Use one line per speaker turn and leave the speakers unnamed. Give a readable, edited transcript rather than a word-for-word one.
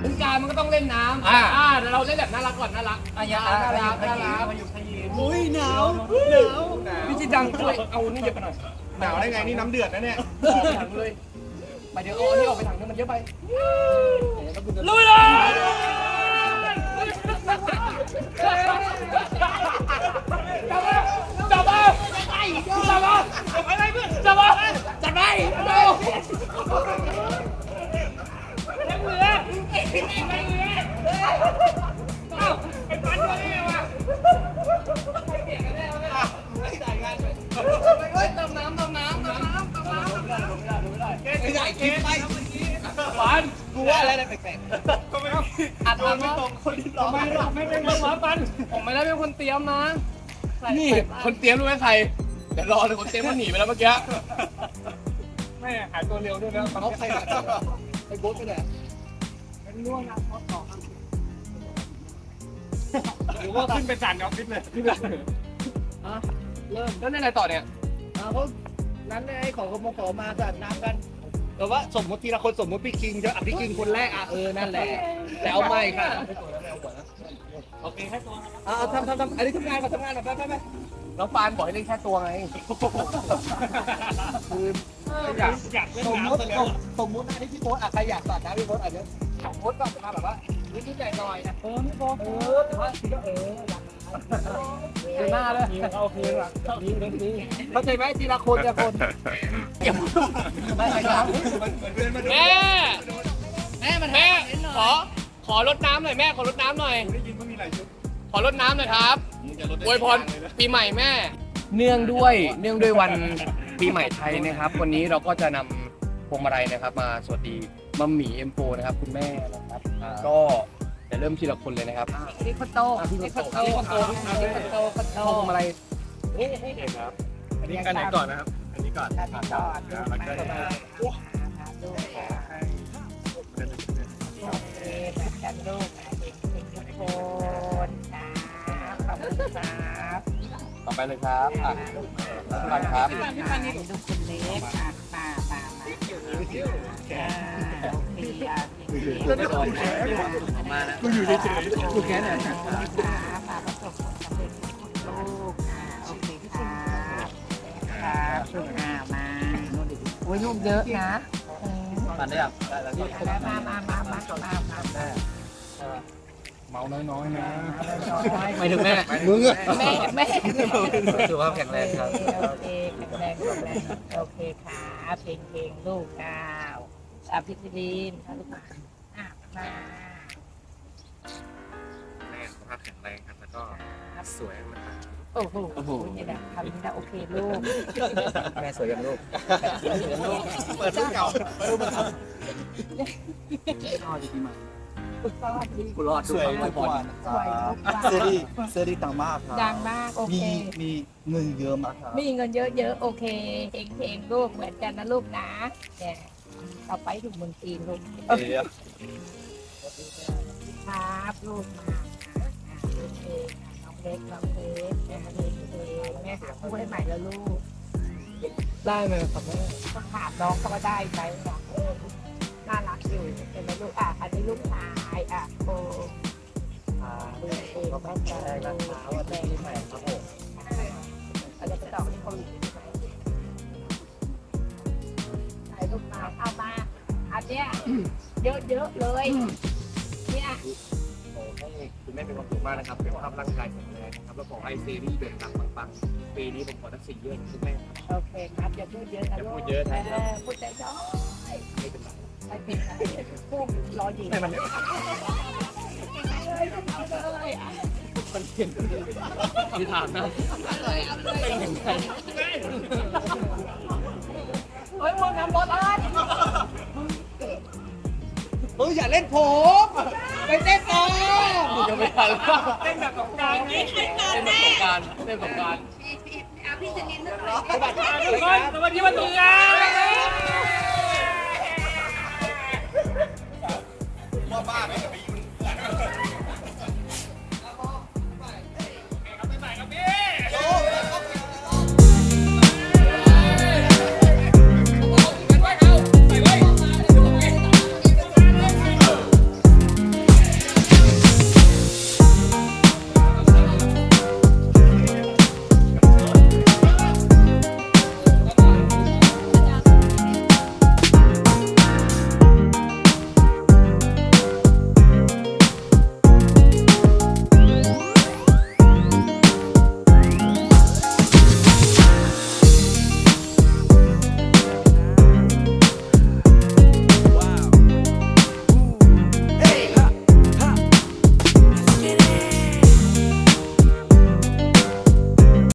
สงกรานต์มันก็ต้องเล่นน้ำแต่เราเล่นแบบน่ารักก่อนน่ารักน่ารักมาอยู่ขยี้อุ้ยหนาวพี่จิดังช่วยเอานี่เยอะไปหน่อยหนาวได้ไงนี่น้ำเดือดนะเนี่ยออกไปถังเลยไปเดี๋ยวเอานี่ออกไปถังนึงมันเยอะไปลุยเลยจับมาอะไรเพื่อนจับมาจับไปเอายังเหลือเอ้าไอ้ปันตัวนี้ไงวะไม่เปลี่ยนกันแน่วะไม่จ่ายงานเลยเฮ้ยเติมน้ำไม่ได้กินไปปันกูว่าอะไรแปลกๆก็ไม่อัดไม่ตรงคนที่ร้องไม่เป็นคนปันผมไม่ได้เป็นคนเตรียมนะนี่คนเตรียมรู้ไหมใครเดี๋ยวรอเลยคนเตรียมมันหนีไปแล้วเมื่อกี้ไม่หายตัวเร็วด้วยนะเขาใครไอ้โบ๊ทไปไหนเป็นง่วงนะพอต่อครับหรือว่าขึ้นไปสั่นออฟฟิศเลยเริ่มแล้วอะไรต่อเนี่ยเขานั้นไอ้ของขโมยมาสั่นน้ำกันแต่ว่าสมมติทีละคนสมมติพี่คิงจะพี่คิงคนแรกนั่นแหละแต่เอาไม่ค่ะโอเคแค่ตัวทำอันนี้ทำงานก่อนไปน้องปานบอกให้เล่นแค่ตัวไงคืออยากเล่นน้ำซะแล้วสมมติอันนี้พี่โบ๊ทใครอยากสาดน้ำพี่โบ๊ทอันนี้โบ๊ทก็มาแบบว่านิดใจหน่อยนะพี่โบ๊ทแต่ว่าพี่ก็หน้าเลยโอเคว่ะนี่เข้าใจไหมทีละคนทีละคนไม่ใช่ครับแม่ขอรดน้ำหน่อยแม่ขอรดน้ำหน่อยได้ยินว่ามีหลายชุดขอรดน้ำหน่อยครับอวยพรปีใหม่แม่เนื่องด้วยวันปีใหม่ไทยนะครับวันนี้เราก็จะนำพวงมาลัยนะครับมาสวัสดีมัมหมี่เอ็มโฟนะครับคุณแม่นะครับก็จะเริ่มทีละคนเลยนะครับ
นี่คนโต
พวงมาลัย
ครับอันนี้กันไหนก่อนนะครับอันนี้ก่อนแล้วก็
กันลูกทุกคนขอบคุณครับ
ต่อไปเลยครับปันครับ
ลูกคนเล็กป้ามาโอเค
มาแล้วกูอยู่เฉยๆกูแค่ไหน
ป้าประสบผลสำเร็จลูกโอเคครับลูกมาโอ้ยลูกเยอะนะ
ปันได้ยังได้แล้ว
มา
เมาน้อยๆนะไม่ถึงแม่มึงอะ
แม่
สุขภาพแข็งแรงครับ
โอเคแข็งแรงโอเคค่ะเพลงลูกก้าวพิธีลีนลูกมา
แม่สุขภาพแข็งแรงครับแล้วก็สวยมาก
โอ้โหนี่แหละทำนี่นะโอเคลูก
แม่สวยอย่างลูกเปิดรูปเก่ารูปมันชอบจริงๆมากูรอดสวยมาก
เซ
รีดังมากครับ
ดังมากโอเค
มีเงินเยอะมากครับ
มีเงินเยอะๆโอเคเพลงลูกเหมือนกันนะลูกนะเนี่ยต่อไปถึงเมืองจีนลูกครับลูกมาโอเคน้องเล็กแม่หาคู่ให้ใหม่แล้วลูก
ได้ไหมครับแม่
ต้องถามน้องเขาว่าได้ไหมน่ารักอยู่เป็นลูกอันนี้ลูกชายโอ้
ก็ตั้งใจนะครับว่าจะมีใหม่ครับผม
อะไรจะต่อที่คนถ่ายรูปมาเอามาอันเนี้ยเยอะเลยเนี่ย
โอ้ให้คุณแม่เป็นความสุขมากนะครับเป็นภาพร่างกายแข็งแรงนะครับแล้วขอให้ซีรีส์เดินทางปังๆปีนี้ผมขอทั้ง4 เรื่องคุณแม่
โอเคครับอย่าพูดเยอะนะลูก
พูดเยอะนะ
พูดใจจ้อย
ไม่เป็นไร
ไม่เป็นไรพูดรอยิง
มันเห็นที่ถามนะเป็นยังไง
เฮ้ยมึงน้ำบอลอะไร
อย่าเล่นผมไปเต้นต่อ
จะไม่ทันเต้นแบบสงการนี่เต้นแบบสงการ
พี่จะนินด้วย
สวัสดีวันสงการ
ว่าบ้าไหม